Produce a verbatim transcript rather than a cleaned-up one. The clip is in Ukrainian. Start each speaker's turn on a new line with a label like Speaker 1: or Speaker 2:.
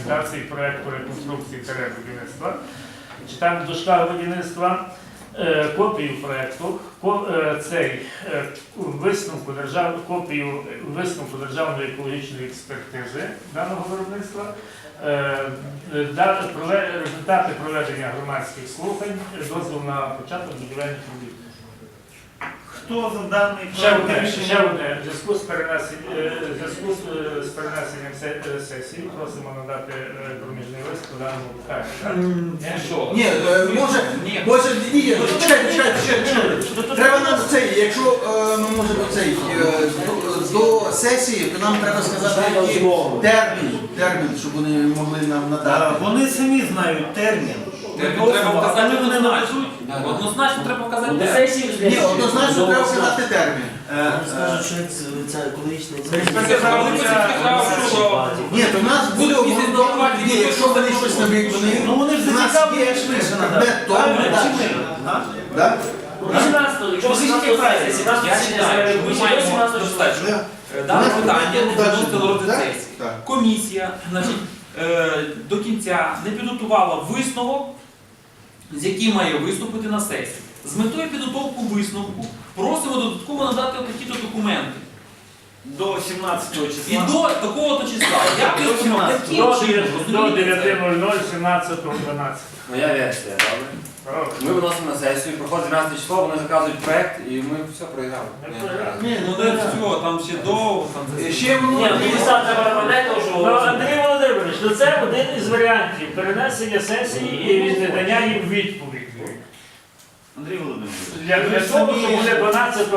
Speaker 1: документації проєкту реконструкції та будівництва. Читаємо до шкафу будівництва. Копію проєкту, цей висновку держав, копію висновку державної екологічної експертизи даного виробництва, результати проведення громадських слухань, дозвіл на початок будівельних робіт.
Speaker 2: Хто за даний
Speaker 1: Ще
Speaker 2: проект
Speaker 1: одне,
Speaker 2: рішення?
Speaker 1: ще одне. В зв'язку з перенесенням, в зв'язку з перенесенням сесії просимо надати проміжний лист по даному питанню.
Speaker 3: Що?
Speaker 4: Ні, е, може,
Speaker 3: Ні.
Speaker 4: може, ні, ні, чекайте, чекайте, чекайте, чекайте. Треба нам цей, якщо е, ми можемо цей, е, до, до сесії, то нам треба сказати, який термін, термін, щоб вони могли нам
Speaker 2: Е,
Speaker 4: надати.
Speaker 2: Вони самі знають термін.
Speaker 3: Термін треба вказати
Speaker 2: але вони
Speaker 3: однозначно.
Speaker 2: наведуть.
Speaker 3: Однозначно треба вказати
Speaker 5: До
Speaker 3: термін.
Speaker 5: сесії
Speaker 4: Ні, однозначно треба сказати термін.
Speaker 2: Е,
Speaker 5: Скажуть, що це екологічний
Speaker 4: Ні, то в нас буде обґрунтовано, ні, якщо вони щось наб'ють, вони,
Speaker 2: Ну вони ж
Speaker 4: у нас
Speaker 2: зацікавлені
Speaker 4: є
Speaker 2: швидше
Speaker 4: предмет
Speaker 2: надати.
Speaker 4: того,
Speaker 2: Правильно,
Speaker 4: так.
Speaker 2: чи ми? Га?
Speaker 4: Так?
Speaker 5: вісімнадцятого, якщо вісімнадцятого сесії, сімнадцятого
Speaker 3: Я
Speaker 5: сесії,
Speaker 3: вважаю, що ми маємо
Speaker 5: вісімнадцятого
Speaker 3: достатньо.
Speaker 4: Так.
Speaker 3: Е, Дане питання не
Speaker 4: Так.
Speaker 3: виноситься до розгляду
Speaker 4: Так?
Speaker 3: сесії.
Speaker 4: Так.
Speaker 3: Комісія, значить, е, до кінця не підготувала висновок, з яким має виступити на сесії. З метою підготовки висновку просимо додатково надати такі-то документи.
Speaker 2: До сімнадцятого
Speaker 3: І
Speaker 2: числа.
Speaker 3: до такого-то числа. Як
Speaker 2: До
Speaker 3: висновок?
Speaker 2: сімнадцятого.
Speaker 3: Таким
Speaker 1: До
Speaker 3: чином, розумієте це?
Speaker 1: дев'яти нуль нуль сімнадцятого дванадцятого.
Speaker 6: Моя версія, добре? Ми виносимо на сесію, проходить дванадцяте число, вони заказують проєкт і ми все проіграли.
Speaker 4: Ні,
Speaker 3: Ну не все, там ще довго. Там це-
Speaker 4: Ще воно.
Speaker 5: Ні, ну листа треба набрати, тому
Speaker 1: Ну,
Speaker 5: що...
Speaker 1: Андрій Володимирович, ну це один із варіантів перенесення сесії і надання їм відповіді.
Speaker 2: Андрій Володимирович.
Speaker 1: Для, для того, що буде дванадцятого